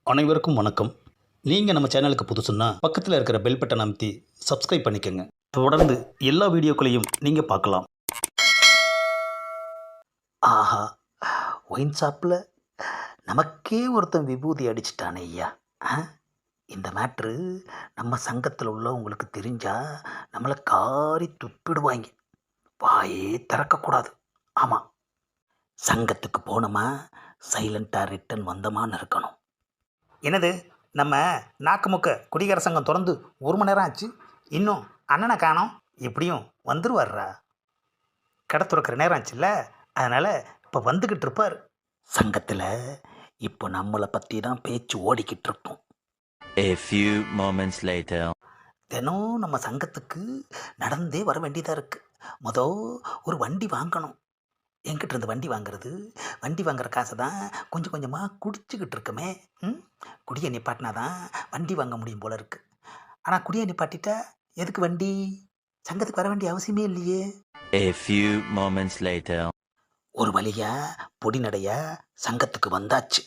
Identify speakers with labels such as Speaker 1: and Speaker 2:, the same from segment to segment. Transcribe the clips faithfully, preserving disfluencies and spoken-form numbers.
Speaker 1: அனைவருக்கும் வணக்கம். நீங்கள் நம்ம சேனலுக்கு புதுசுன்னா பக்கத்தில் இருக்கிற பெல் பட்டன் அமைத்தி சப்ஸ்கிரைப் பண்ணிக்கோங்க. தொடர்ந்து எல்லா வீடியோக்களையும் நீங்கள் பார்க்கலாம். ஆஹா, ஒயின் ஷாப்பில் நமக்கே ஒருத்தன் விபூதி அடிச்சிட்டானே ஐயா. ஆ, இந்த மேட்ரு நம்ம சங்கத்தில் உள்ளவங்களுக்கு தெரிஞ்சா நம்மளை காரி துப்பிடுவாங்க. வாயே திறக்கக்கூடாது. ஆமாம், சங்கத்துக்கு போனோமா சைலண்ட்டாக ரிட்டன் வந்தோமான்னு இருக்கணும். என்னது, நம்ம நாக்குமுக்க குடிகார சங்கம் திறந்து ஒரு மணி நேரம் ஆச்சு, இன்னும் அண்ணனை காணோம். எப்படியும் வந்துருவார்ரா, கடை துறக்கிற நேரம் ஆச்சுல்ல, அதனால் இப்போ வந்துக்கிட்டு இருப்பார். சங்கத்தில் இப்போ நம்மளை பற்றி தான் பேச்சு ஓடிக்கிட்டு இருக்கோம்.
Speaker 2: A few moments later.
Speaker 1: தினம் நம்ம சங்கத்துக்கு நடந்தே வர வேண்டியதாக இருக்குது. மொதல் ஒரு வண்டி வாங்கணும். என்கிட்ட இருந்து வண்டி வாங்குறது, வண்டி வாங்குற காசை தான் கொஞ்சம் கொஞ்சமாக குடிச்சிக்கிட்டு இருக்கமே. ம் குடியை நிப்பாட்டினா தான் வண்டி வாங்க முடியும் போல இருக்குது. ஆனால் குடியை நிப்பாட்டிட்டா எதுக்கு வண்டி? சங்கத்துக்கு வர வேண்டிய அவசியமே இல்லையே.
Speaker 2: A few moments later.
Speaker 1: ஒரு வழியா பொடி நடையா சங்கத்துக்கு வந்தாச்சு.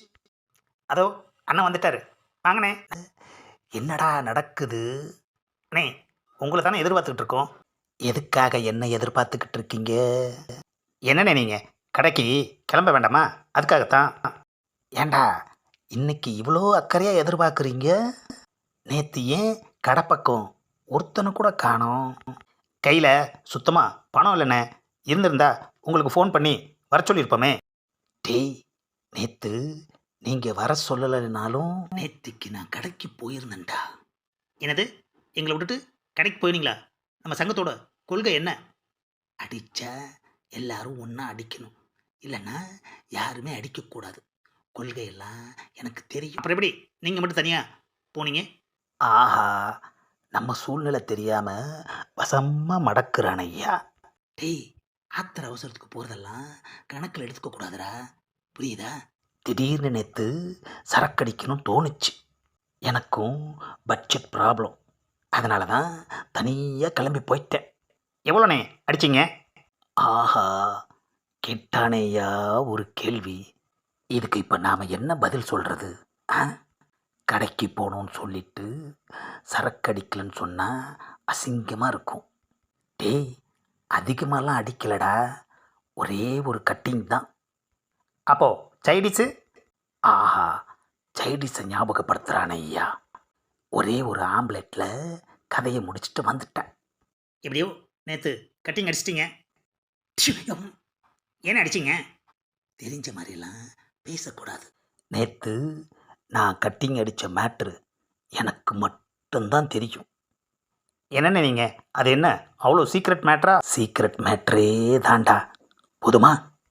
Speaker 1: அதோ அண்ணன் வந்துட்டாரு, வாங்கண்ணே. என்னடா நடக்குது? அண்ணே, உங்களை தானே எதிர்பார்த்துக்கிட்டு இருக்கோம். எதுக்காக என்ன எதிர்பார்த்துக்கிட்டு இருக்கீங்க? என்னண்ணே, நீங்கள் கடைக்கு கிளம்ப வேண்டாமா? அதுக்காகத்தான். ஏண்டா இன்னைக்கு இவ்வளோ அக்கறையாக எதிர்பார்க்குறீங்க? நேற்று ஏன் கடை பக்கம் ஒருத்தனை கூட காணோம்? கையில் சுத்தமாக பணம் இல்லைண்ணே. இருந்திருந்தா உங்களுக்கு ஃபோன் பண்ணி வர சொல்லியிருப்போமே. டேய், நேற்று நீங்கள் வர சொல்லலைனாலும் நேற்றுக்கு நான் கடைக்கு போயிருந்தேன்டா. என்னது, எங்களை விட்டுட்டு கடைக்கு போயிருந்தீங்களா? நம்ம சங்கத்தோட கொள்கை என்ன? அடித்தா எல்லாரும் ஒன்றா அடிக்கணும், இல்லைன்னா யாருமே அடிக்கக்கூடாது. கொள்கையெல்லாம் எனக்கு தெரியும். அப்புறம் எப்படி நீங்கள் மட்டும் தனியாக போனீங்க? ஆஹா, நம்ம சூழ்நிலை தெரியாமல் வசமாக மடக்குறான் ஐயா. டேய், ஆத்திர அவசரத்துக்கு போகிறதெல்லாம் கணக்கில் எடுத்துக்கக்கூடாதுடா, புரியுதா? திடீர்னு நேற்று சரக்கடிக்கணும் தோணுச்சு. எனக்கும் பட்ஜெட் ப்ராப்ளம், அதனால தான் தனியாக கிளம்பி போயிட்டேன். எவ்வளோண்ணே அடிச்சிங்க? ஆஹா, கேட்டானேயா ஒரு கேள்வி. இதுக்கு இப்போ நாம் என்ன பதில் சொல்கிறது? ஆ, கடைக்கு போகணுன்னு சொல்லிட்டு சரக்கடிக்கலன்னு சொன்னால் அசிங்கமாக இருக்கும். டேய், அதிகமாகலாம் அடிக்கலடா, ஒரே ஒரு கட்டிங் தான். அப்போது சைடிஸு? ஆஹா, சைடிஸை ஞாபகப்படுத்துகிறானே ஐயா. ஒரே ஒரு ஆம்லெட்டில் கதையை முடிச்சுட்டு வந்துட்டேன். எப்படியோ நேற்று கட்டிங் அடிச்சிட்டிங்க. ஏன்னா அடிச்சிங்க? தெரிஞ்ச மாதிரிலாம் பேசக்கூடாது. நேற்று நான் கட்டிங் அடித்த மேட்ரு எனக்கு மட்டும்தான் தெரியும். என்னென்ன நீங்கள், அது என்ன அவ்வளோ சீக்ரெட் மேட்ரா? சீக்ரெட் மேட்ரே தாண்டா. போதுமா?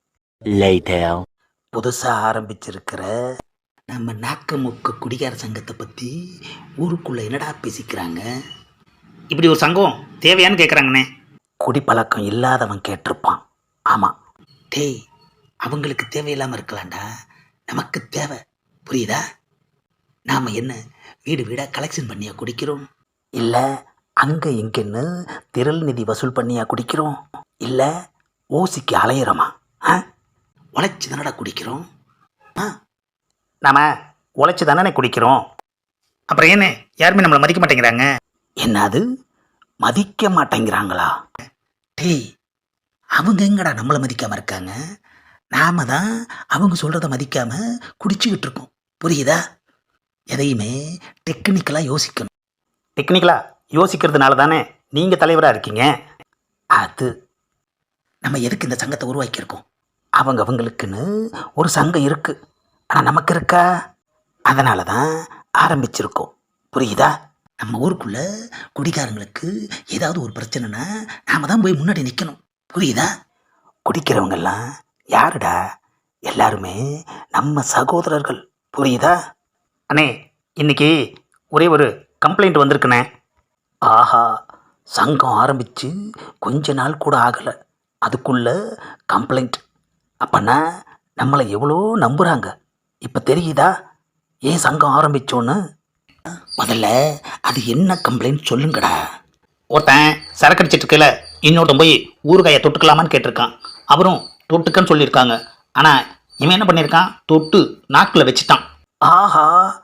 Speaker 2: Later.
Speaker 1: புதுசாக ஆரம்பிச்சிருக்கிற நம்ம நாக்கமுக்க குடிகார சங்கத்தை பற்றி ஊருக்குள்ளே என்னடா பேசிக்கிறாங்க? இப்படி ஒரு சங்கம் தேவையான்னு கேட்குறாங்கண்ணே. குடிப்பழக்கம் இல்லாதவன் கேட்டிருப்பான். ஆமாம். டேய், அவங்களுக்கு தேவையில்லாமல் இருக்கலாம்டா, நமக்கு தேவை, புரியுதா? நாம் என்ன வீடு வீடாக கலெக்ஷன் பண்ணியா குடிக்கிறோம்? இல்லை அங்கே இங்கேன்னு திரள் நிதி வசூல் பண்ணியா குடிக்கிறோம்? இல்லை ஓசிக்கு அலையிறோமா? ஆ, உழைச்சி தானடா குடிக்கிறோம். ஆ, நாம் உழைச்சி தானே குடிக்கிறோம். அப்புறம் என்ன யாருமே நம்மளை மதிக்க மாட்டேங்கிறாங்க? என்னது, மதிக்க மாட்டேங்கிறாங்களா? டேய், அவங்க எங்கடா நம்மளை மதிக்காமல் இருக்காங்க? நாம தான் அவங்க சொல்கிறத மதிக்காமல் குடிச்சிக்கிட்டு இருக்கோம், புரியுதா? எதையுமே டெக்னிக்கலாக யோசிக்கணும். டெக்னிக்கலாக யோசிக்கிறதுனால தானே நீங்கள் தலைவராக இருக்கீங்க. அது நம்ம எதுக்கு இந்த சங்கத்தை உருவாக்கியிருக்கோம்? அவங்க அவங்களுக்குன்னு ஒரு சங்கம் இருக்குது, ஆனால் நமக்கு இருக்கா? அதனால தான் ஆரம்பிச்சிருக்கோம், புரியுதா? நம்ம ஊருக்குள்ளே குடிகாரங்களுக்கு ஏதாவது ஒரு பிரச்சனைனா நாம் தான் போய் முன்னாடி நிற்கணும், புரியுதா? குடிக்கிறவங்கெல்லாம் யாருடா? எல்லாருமே நம்ம சகோதரர்கள், புரியுதா? அண்ணே, இன்னைக்கு ஒரே ஒரு கம்ப்ளைண்ட் வந்திருக்குண்ணே. ஆஹா, சங்கம் ஆரம்பித்து கொஞ்ச நாள் கூட ஆகலை, அதுக்குள்ளே கம்ப்ளைண்ட். அப்போனா நம்மளை எவ்வளோ நம்புகிறாங்க இப்போ தெரியுதா? ஏன் சங்கம் ஆரம்பித்தோன்னு? முதல்ல அது என்ன கம்ப்ளைண்ட் சொல்லுங்கடா. ஒருத்தன் சரக்கு அடிச்சிட்டு இருக்கல, இன்னொருத்தன் போய் ஊறுகாயை தொட்டுக்கலாமான்னு கேட்டிருக்கான். அவரும் தொட்டுக்கன்னு சொல்லியிருக்காங்க. ஆனால் இவன் என்ன பண்ணியிருக்கான், தொட்டு நாக்கில் வச்சுட்டான். ஆஹா,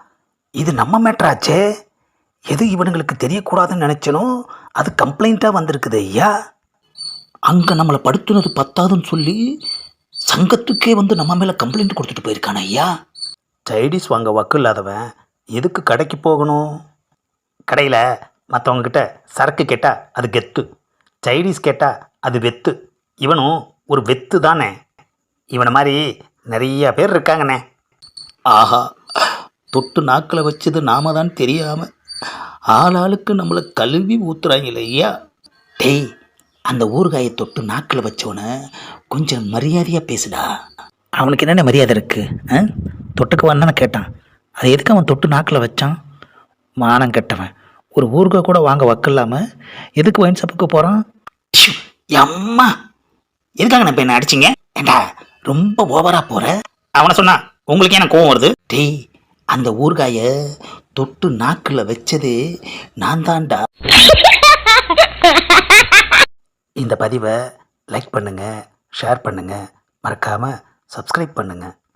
Speaker 1: இது நம்ம மேட்ராச்சே. எது இவனுங்களுக்கு தெரியக்கூடாதுன்னு நினச்சனோ அது கம்ப்ளைண்ட்டாக வந்திருக்குது ஐயா. அங்கே நம்மளை படுத்துனது பத்தாதுன்னு சொல்லி சங்கத்துக்கே வந்து நம்ம மேலே கம்ப்ளைண்ட் கொடுத்துட்டு போயிருக்கானே ஐயா. சைடிஸ் வாங்க வக்கு இல்லாதவன் எதுக்கு கடைக்கு போகணும்? கடையில் மற்றவங்கக்கிட்ட சரக்கு கேட்டால் அது கெத்து, சைடிஸ் கேட்டால் அது வெத்து. இவனும் ஒரு வெத்து தானே. இவனை மாதிரி நிறைய பேர் இருக்காங்கண்ணே. ஆஹா, தொட்டு நாக்கில் வச்சது நாம தான் தெரியாமல் ஆளாளுக்கு நம்மளை கழுவி ஊத்துறாங்களே ஐயா. டேய், அந்த ஊறுகாயை தொட்டு நாக்கில் வச்சவனை கொஞ்சம் மரியாதையாக பேசுடா. அவனுக்கு என்னென்ன மரியாதை இருக்குது? தொட்டுக்குவான்னு தானே கேட்டான். அது எதுக்கு அவன் தொட்டு நாக்கில் வச்சான்? மானம் கெட்டவன். ஒரு ஊறுகாய் கூட வாங்க வக்கில்லாமல் எதுக்கு ஒயின் ஷாப்புக்கு போகிறான்? அம்மா, எதுக்காக நான் இப்போ என்ன அடிச்சிங்க? ஏண்டா ரொம்ப ஓவராக போகிற. அவனை சொன்னா உங்களுக்கு என்ன கோவம் வருது? டேய், அந்த ஊறுகாயை தொட்டு நாக்கில் வச்சது நான் தான்டா. இந்த பதிவை லைக் பண்ணுங்கள், ஷேர் பண்ணுங்கள், மறக்காமல் சப்ஸ்கிரைப் பண்ணுங்கள்.